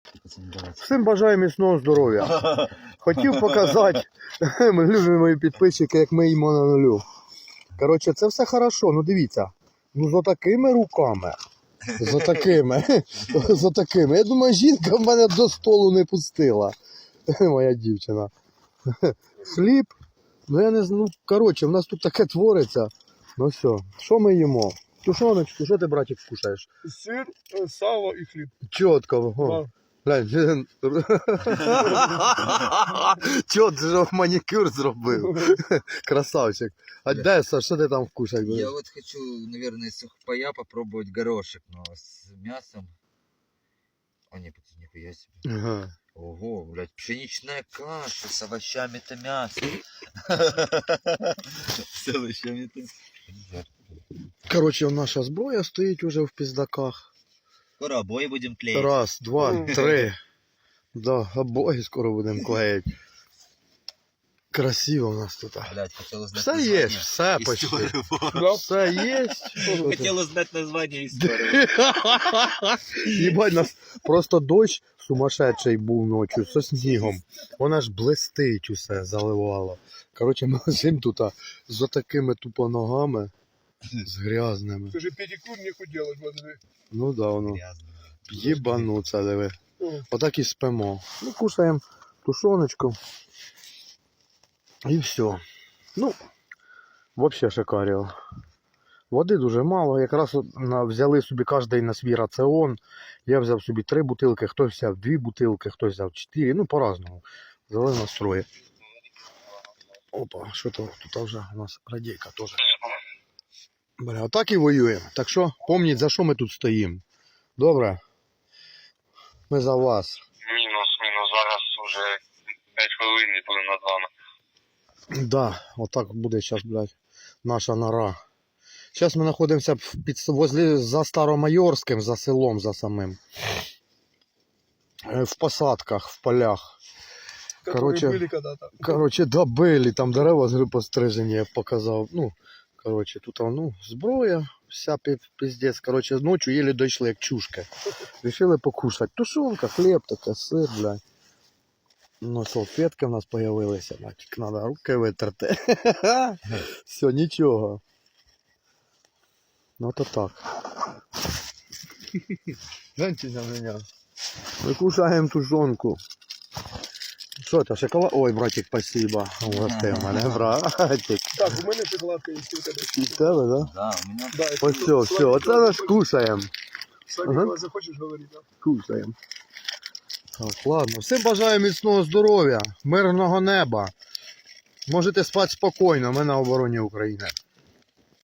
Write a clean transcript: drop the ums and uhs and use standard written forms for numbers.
Всім бажаю міцного здоров'я. Хотів показати, ми любимо мої підписчики, як ми їмо на нулю. Коротше, це все хорошо, ну дивіться. Ну за такими руками. За такими. Я думаю, жінка в мене до столу не пустила. Моя дівчина. Хліб. Ну я не знаю, ну коротше, в нас тут таке твориться. Ну все, що ми їмо? Тушоночку, що ти, братик, кушаєш? Сир, сало і хліб. Чітко. Глянь. Чот, же манікюр зробив. Красавчик. А де, Саш, що ти там вкушать будеш? Я вот хочу, наверное, сухпая попробовать горошек, но с мясом. О, не, нихуя себе. Ага. Ого, блядь, пшеничная каша с овощами-то мясо. С овощами-то. Коротше, наша зброя стоїть уже в піздаках. Скоро обои будем клеить. Раз, два, три. Да, обои скоро будемо клеїти. Красиво у нас тут. Блядь, хотел узнать Все название. є, все почти. Историю. Все є. Хотел узнать название истории. Єбать, нас просто дощ сумасшедший був ночі зі снігом. Вона ж блистить усе, заливало. Коротше, ми лежимо тут з отакими тупо ногами, з грязними. Скажи, педикюр нехуй делать, смотри. Ну да, воно. Грязно. Єбануться, диви. Отак і спимо. Ну, кушаємо тушоночку. І все. Ну, взагалі шикаріо. Води дуже мало. Якраз взяли собі кожен на свій раціон. Я взяв собі 3 бутилки, хтось взяв 2 бутилки, хтось взяв 4. Ну, по-разному. Взяли настрої. Опа, що то тут вже у нас радійка теж. Бля, отак і воюємо. Так що, пам'ятайте, за що ми тут стоїмо. Добре? Ми за вас. Мінус. Зараз вже 5 хвилин і будемо над вами. Да, отак буде зараз, блядь, наша нора. Зараз ми знаходимося за Старомайорським, за селом, за самим. В посадках, в полях. Которые были когда-то. Короче, да, были, там дерева пострижені, я показав. Ну, короче, тут, ну, зброя, вся пиздец. Короче, ночью еле дійшли, як чушки. Решили покушати. Тушонка, хліб, таке, сир, блядь. Ну, салфетки в нас появилися, тільки треба руки витерти. Все, нічого. Ну, то так. Гляньте на мене. Ми кушаємо тушонку. Що це, шоколад? Ой, братик, спасибо. Угостив мене, братик. Так, у мене шоколадка є у тебе. І в тебе, да? Да, у меня. Да, Ось все, оце ми ж кушаємо. Сами, Ага. коли захочеш, говори, да. Кушаємо. Так, ладно. Всім бажаю міцного здоров'я, мирного неба. Можете спати спокійно, ми на обороні України.